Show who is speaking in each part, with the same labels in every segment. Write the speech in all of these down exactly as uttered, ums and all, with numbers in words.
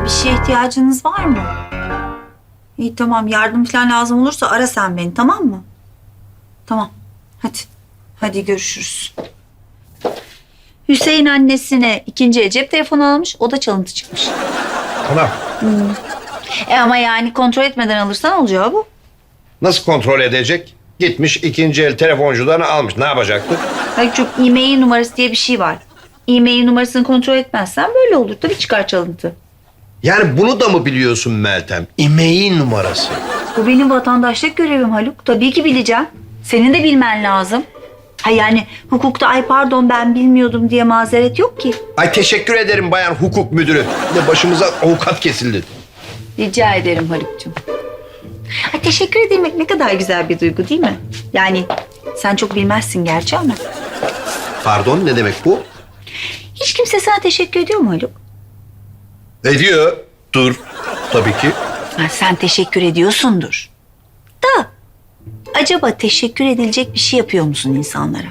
Speaker 1: bir şeye ihtiyacınız var mı? İyi tamam, yardım falan lazım olursa ara sen beni, tamam mı? Tamam, hadi. Hadi görüşürüz. Hüseyin annesine ikinci el cep telefonu almış, o da çalıntı çıkmış.
Speaker 2: Tamam.
Speaker 1: Hmm. E ama yani kontrol etmeden alırsan olacağı bu.
Speaker 2: Nasıl kontrol edecek? Gitmiş ikinci el telefoncudan almış. Ne yapacaktı?
Speaker 1: Hayır, çünkü e-mail numarası diye bir şey var. E-mail numarasını kontrol etmezsen böyle olur. Tabii çıkar çalıntı.
Speaker 2: Yani bunu da mı biliyorsun Meltem? E-mail numarası.
Speaker 1: Bu benim vatandaşlık görevim Haluk. Tabii ki bileceğim. Senin de bilmen lazım. Ha yani hukukta ay pardon ben bilmiyordum diye mazeret yok ki.
Speaker 2: Ay teşekkür ederim bayan hukuk müdürü. Ne başımıza avukat kesildi.
Speaker 1: Rica ederim Haluk'cum. Ay teşekkür edilmek ne kadar güzel bir duygu değil mi? Yani sen çok bilmezsin gerçi ama.
Speaker 2: Pardon ne demek bu?
Speaker 1: Hiç kimse sana teşekkür ediyor mu Haluk?
Speaker 2: Ediyor. Dur. Tabii ki.
Speaker 1: Ha, sen teşekkür ediyorsundur. Da acaba teşekkür edilecek bir şey yapıyor musun insanlara?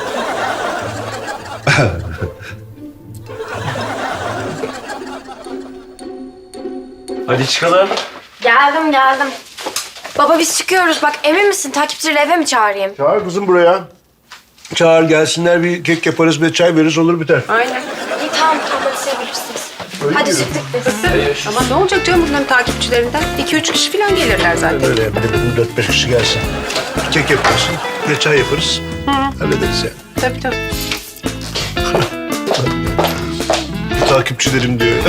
Speaker 3: Hadi çıkalım.
Speaker 4: Geldim geldim. Baba biz çıkıyoruz. Bak emin misin? Takipçileri eve mi çağırayım?
Speaker 5: Çağır kızım buraya. Çağır gelsinler, bir kek yaparız ve çay veririz, olur biter.
Speaker 4: Aynen. İyi tamam tamam hadi siz bilirsiniz. Hadi çıktık biz.
Speaker 6: Ama ne olacak canım bunların takipçilerinden? İki üç kişi falan gelirler zaten.
Speaker 5: Öyle bir de dört beş kişi gelsin. Bir kek yaparsın ve çay yaparız. Hallederiz yani.
Speaker 6: Tabii tabii.
Speaker 5: Takipçilerim diyor.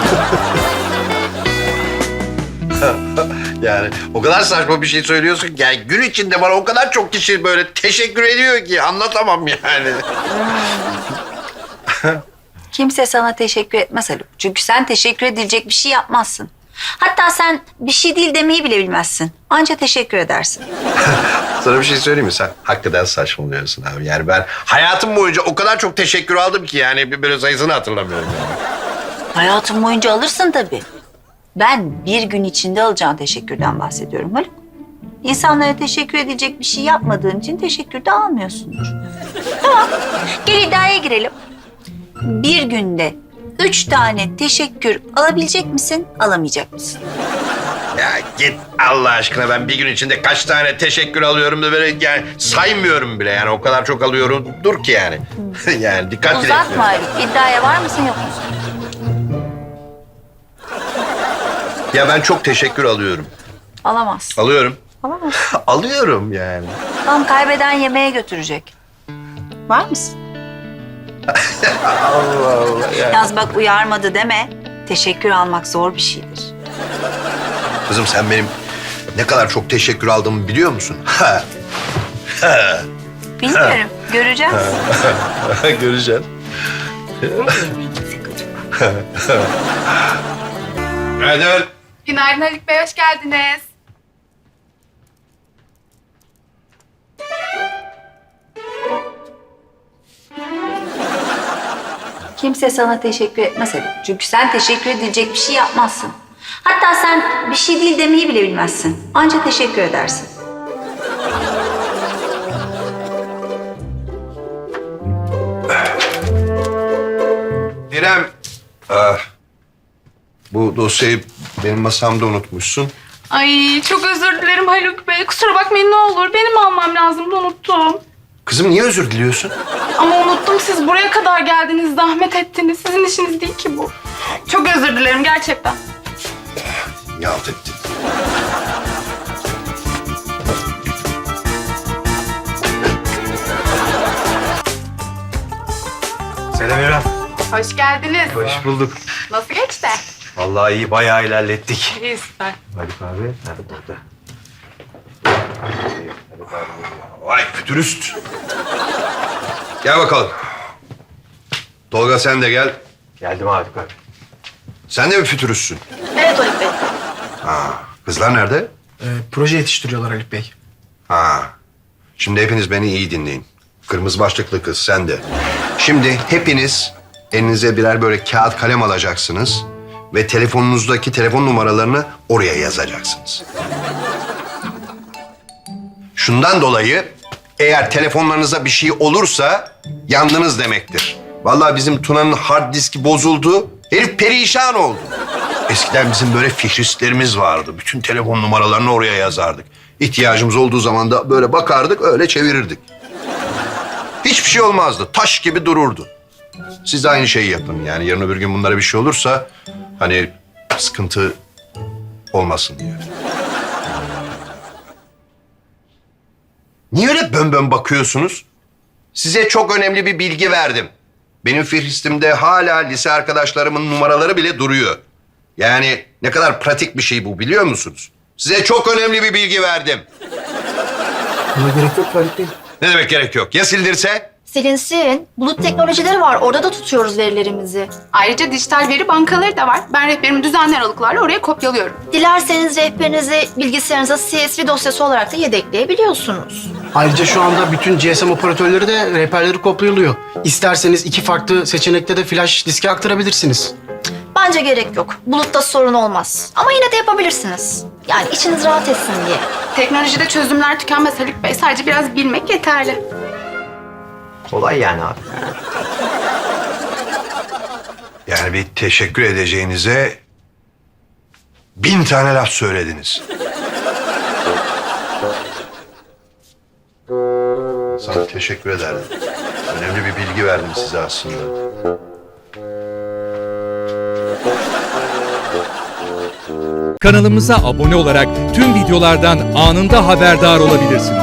Speaker 2: Yani o kadar saçma bir şey söylüyorsun ki. Yani gün içinde bana o kadar çok kişi böyle teşekkür ediyor ki anlatamam yani.
Speaker 1: Kimse sana teşekkür etmez Haluk. Çünkü sen teşekkür edilecek bir şey yapmazsın. Hatta sen bir şey değil demeyi bile bilmezsin. Anca teşekkür edersin.
Speaker 2: Sana bir şey söyleyeyim mi? Sen hakikaten saçmalıyorsun abi. Yani ben hayatım boyunca o kadar çok teşekkür aldım ki yani böyle sayısını hatırlamıyorum. Yani.
Speaker 1: Hayatın boyunca alırsın tabii. Ben bir gün içinde alacağın teşekkürden bahsediyorum Haluk. İnsanlara teşekkür edilecek bir şey yapmadığın için teşekkür de almıyorsundur. Tamam, gel iddiaya girelim. Bir günde üç tane teşekkür alabilecek misin, alamayacak mısın?
Speaker 2: Ya git Allah aşkına, ben bir gün içinde kaç tane teşekkür alıyorum da böyle yani saymıyorum bile yani o kadar çok alıyorum dur ki yani. Yani dikkat bile
Speaker 1: Uzatma
Speaker 2: etmiyorum.
Speaker 1: Haluk. İddiaya var mısın, yok musun?
Speaker 2: Ya ben çok teşekkür alıyorum.
Speaker 1: Alamazsın.
Speaker 2: Alıyorum.
Speaker 1: Alamazsın.
Speaker 2: Alıyorum yani.
Speaker 1: Tamam, kaybeden yemeğe götürecek. Var mısın?
Speaker 2: Allah Allah yani.
Speaker 1: Yalnız bak uyarmadı deme. Teşekkür almak zor bir şeydir.
Speaker 2: Kızım sen benim ne kadar çok teşekkür aldığımı biliyor musun? Ha. Ha.
Speaker 1: Bilmiyorum. Göreceğiz.
Speaker 2: Göreceksin. Günaydın.
Speaker 6: Günaydın Haluk Bey, hoş geldiniz.
Speaker 1: Kimse sana teşekkür etmez Haluk. Çünkü sen teşekkür edilecek bir şey yapmazsın. Hatta sen bir şey değil demeyi bile bilmezsin. Anca teşekkür edersin.
Speaker 2: İrem. Ah, bu dosyayı benim masamda unutmuşsun.
Speaker 6: Ay çok özür dilerim Haluk Bey. Kusura bakmayın ne olur. Benim almam lazımdı, unuttum.
Speaker 2: Kızım niye özür diliyorsun?
Speaker 6: Ama unuttum, siz buraya kadar geldiniz, zahmet ettiniz. Sizin işiniz değil ki bu. Çok özür dilerim gerçekten.
Speaker 2: Yalt ettin.
Speaker 3: Selam İrem.
Speaker 6: Hoş geldiniz.
Speaker 3: Hoş bulduk.
Speaker 6: Nasıl geçti?
Speaker 3: Vallahi iyi, bayağı ilerlettik.
Speaker 6: İyi süper.
Speaker 3: Haluk abi nerede burada?
Speaker 2: Vay fütürist. Gel bakalım. Tolga sen de gel.
Speaker 3: Geldim Haluk abi.
Speaker 2: Sen de mi fütüristsin?
Speaker 4: Evet Haluk Bey.
Speaker 2: Ha, kızlar nerede?
Speaker 7: Ee, proje yetiştiriyorlar Haluk Bey.
Speaker 2: Ha. Şimdi hepiniz beni iyi dinleyin. Kırmızı başlıklı kız sen de. Şimdi hepiniz elinize birer böyle kağıt kalem alacaksınız ve telefonunuzdaki telefon numaralarını oraya yazacaksınız. Şundan dolayı eğer telefonlarınıza bir şey olursa yandınız demektir. Vallahi bizim Tuna'nın hard diski bozuldu. Herif perişan oldu. Eskiden bizim böyle fihristlerimiz vardı. Bütün telefon numaralarını oraya yazardık. İhtiyacımız olduğu zaman da böyle bakardık, öyle çevirirdik. Hiçbir şey olmazdı. Taş gibi dururdu. Siz de aynı şeyi yapın. Yani yarın öbür gün bunlara bir şey olursa hani sıkıntı olmasın diye. Niye öyle bön bön bakıyorsunuz? Size çok önemli bir bilgi verdim. Benim fihristimde hala lise arkadaşlarımın numaraları bile duruyor. Yani ne kadar pratik bir şey bu, biliyor musunuz? Size çok önemli bir bilgi verdim.
Speaker 7: Buna gerek yok Halit Bey.
Speaker 2: Ne demek gerek yok? Ya sildirse?
Speaker 8: Silinsin. Bulut teknolojileri var. Orada da tutuyoruz verilerimizi.
Speaker 6: Ayrıca dijital veri bankaları da var. Ben rehberimi düzenli aralıklarla oraya kopyalıyorum.
Speaker 8: Dilerseniz rehberinizi bilgisayarınıza C S V dosyası olarak da yedekleyebiliyorsunuz.
Speaker 7: Ayrıca şu anda bütün G S M operatörleri de rehberleri kopyalıyor. İsterseniz iki farklı seçenekte de flash diske aktarabilirsiniz.
Speaker 8: Bence gerek yok. Bulutta sorun olmaz. Ama yine de yapabilirsiniz. Yani içiniz rahat etsin diye.
Speaker 6: Teknolojide çözümler tükenmez Haluk Bey. Sadece biraz bilmek yeterli.
Speaker 3: Kolay yani abi.
Speaker 2: Yani bir teşekkür edeceğinize bin tane laf söylediniz. Sana teşekkür ederdim. Önemli bir bilgi verdim size aslında.
Speaker 9: Kanalımıza abone olarak tüm videolardan anında haberdar olabilirsiniz.